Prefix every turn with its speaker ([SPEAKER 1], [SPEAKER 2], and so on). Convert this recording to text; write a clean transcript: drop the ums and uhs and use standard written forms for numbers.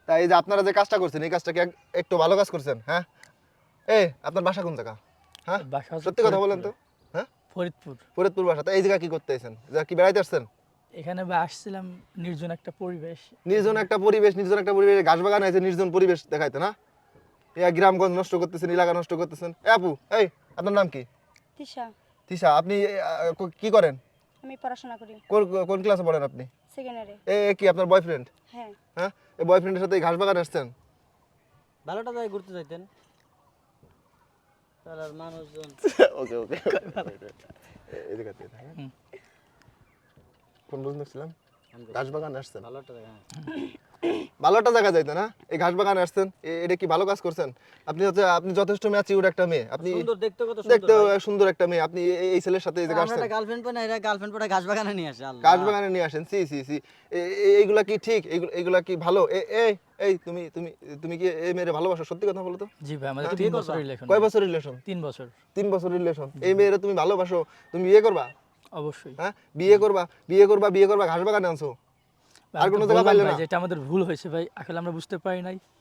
[SPEAKER 1] তাই এই যে আপনারা যে কাজটা করছেন এই কাজটা কি একটু ভালো কাজ করছেন? হ্যাঁ, এই আপনার বাসা কোন জায়গা? হ্যাঁ,
[SPEAKER 2] বাসা হচ্ছে
[SPEAKER 1] সত্যি কথা বলেন তো। হ্যাঁ,
[SPEAKER 2] ফরিদপুর।
[SPEAKER 1] ফরিদপুর বাসা। তা এই জায়গা কি করতে এসেছেন? কি বেড়াইতে আসছেন?
[SPEAKER 2] এখানে আসছিলাম নির্জন একটা পরিবেশ।
[SPEAKER 1] নির্জন একটা পরিবেশ, ঘাস বাগান আছে, নির্জন পরিবেশ দেখাইতে না? গ্রামগঞ্জ নষ্ট করতেছেন, এলাকা নষ্ট করতেছেন। আপু, এই আপনার নাম কি?
[SPEAKER 3] তিশা।
[SPEAKER 1] তিশা, আপনি কি করেন?
[SPEAKER 3] আমি পড়াশোনা করি
[SPEAKER 1] কোন ক্লাসে পড়েন আপনি?
[SPEAKER 3] সেকেন্ডারে।
[SPEAKER 1] কি আপনার বয়ফ্রেন্ড?
[SPEAKER 3] হ্যাঁ।
[SPEAKER 1] হ্যাঁ, এই বয়ফ্রেন্ডের সাথে এই ঘাস বাগান আসছেন?
[SPEAKER 4] ভালোটা যায় ঘুরতে যাইতেন তার আর মানুষজন
[SPEAKER 1] ওকে ওকে এদিকে কোন পর্যন্ত ছিলাম? ঘাস বাগান আসছেন,
[SPEAKER 4] ভালোটা যায়
[SPEAKER 1] ভালো একটা জায়গা যাইতে না? এই ঘাস বাগানে আসছেন, এটা কি ভালো কাজ করছেন? আপনি যথেষ্ট ম্যাচিউর একটা মেয়ে, আপনি
[SPEAKER 4] সুন্দর দেখতে কত
[SPEAKER 1] দেখতে
[SPEAKER 4] সুন্দর ভাই।
[SPEAKER 1] সুন্দর একটা মেয়ে, আপনি এই ছেলের সাথে এই জায়গা
[SPEAKER 4] আমরা
[SPEAKER 1] আসছেন,
[SPEAKER 4] একটা গার্লফ্রেন্ড পাই না, এরা গার্লফ্রেন্ড পরে ঘাস বাগানে নিয়ে আসে আল্লাহ।
[SPEAKER 1] ঘাস বাগানে নিয়ে আসেন। সি সি সি, এইগুলা কি ঠিক? এইগুলা কি ভালো? এই এই তুমি তুমি তুমি কি এই মেয়ের ভালোবাসো? সত্যি কথা বলো তো।
[SPEAKER 2] জি ভাই, আমাদের
[SPEAKER 1] হ্যাঁ,
[SPEAKER 2] 3
[SPEAKER 4] বিয়ে
[SPEAKER 2] বছর
[SPEAKER 4] করবা?
[SPEAKER 2] রিলেশন।
[SPEAKER 1] কয় বছর রিলেশন?
[SPEAKER 2] 3 বছর।
[SPEAKER 1] 3 বছর রিলেশন। এই মেয়েরা তুমি ভালোবাসো, তুমি বিয়ে করবা?
[SPEAKER 2] অবশ্যই।
[SPEAKER 1] হ্যাঁ, বিয়ে করবা, ঘাস বাগানে আনছো। আর কোনো জায়গা পাইলে না?
[SPEAKER 2] যেটা আমাদের ভুল হয়েছে ভাই, আসলে আমরা বুঝতে পারি নাই।